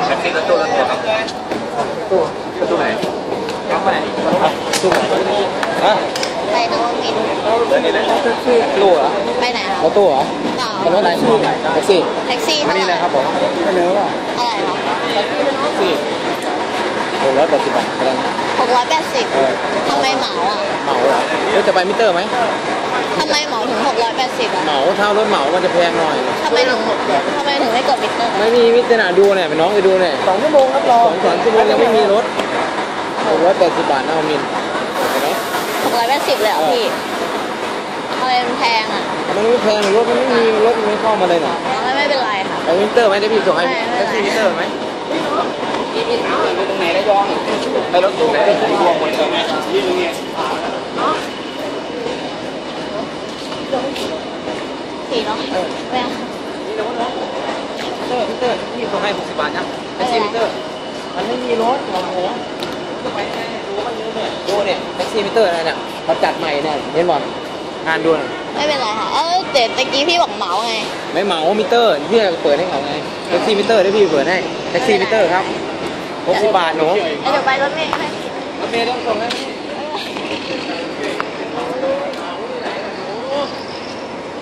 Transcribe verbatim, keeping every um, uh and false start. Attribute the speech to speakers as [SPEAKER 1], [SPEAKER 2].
[SPEAKER 1] แท็กซี่รถตู้รถตัวครับตู้รถตู้ไหนน้องไปไหนตู้ไหนฮะ
[SPEAKER 2] ไปนวมินทร์
[SPEAKER 1] แล้วนี่นะแท็กซี่ตู้เหรอ
[SPEAKER 2] ไปไหนคะ
[SPEAKER 1] รถตู้เหรอเป็นรถไหนแท็กซี่
[SPEAKER 2] แท็กซี่
[SPEAKER 1] มานี่นะครับผมไม่เนื้อว่ะ
[SPEAKER 2] อะไรคะ
[SPEAKER 1] แท็กซี่หกร้อยแปดสิบบาทอะไร
[SPEAKER 2] หกร้อยแปดสิบทำไมเหมาอ่ะ
[SPEAKER 1] เหมาเหรอแล้วจะไปมิเตอร์ไหม
[SPEAKER 2] ทำไมเหมาถึงหกร้อยแปดสิบอ่ะ
[SPEAKER 1] เหมาเท่ารถเหมามันจะแพงหน่อย
[SPEAKER 2] ทำไมถึงทำไมถึงไม่กดมิเตอร์
[SPEAKER 1] ไม่มีมิเตอร์น่ะดูเนี่ยไปน้องไปดูเนี่ยสองชั่วโมงครับรอสองสามชั่วโมงยังไม่มีรถหกร้อยแปดสิบบาทนะมินเห็นไหม
[SPEAKER 2] หกร้อยแปดสิบเลยเหรอพี่ทำไมมันแพงอ่ะ
[SPEAKER 1] มันไม่แพงรถมันไม่มีรถมันไม่เข้ามาเลยน่ะ
[SPEAKER 2] ไม่ไม่เป็นไรค่ะ
[SPEAKER 1] ไปมิเตอร์ไหมได้พี่ส่งให้แท็กซี่มิเตอร์ไหมไปตรงไหนระยองไปรถตู้ไหนรวมหมดเลยไหม
[SPEAKER 2] สี่เนาะแพง
[SPEAKER 1] นี่นะน้องมิเตอร์มิเตอร์พี่ส่งให้หกสิบบาทนะแท็กซี่มิเตอร์มันไม่มีรถโอ้โหจะไปไหนดูมันเยอะเนี่ยดูเนี่ยแท็กซี่มิเตอร์อะไรเนี่ยเขาจัดใหม่เนี่ยเห็นบอลงานด่วน
[SPEAKER 2] ไม่เป็นไรค่ะเออเดี๋ยวตะกี้พี่บอกเหมาไง
[SPEAKER 1] ไม่เหมามิเตอร์พี่เปิดให้เขาไงแท็กซี่มิเตอร์ได้พี่เปิดให้แท็กซี่มิเตอร์ครับหกสิบบาทหนู
[SPEAKER 2] เดี๋ยวไปรถเมล์ให้
[SPEAKER 1] รถเมล์ต้องส่งให้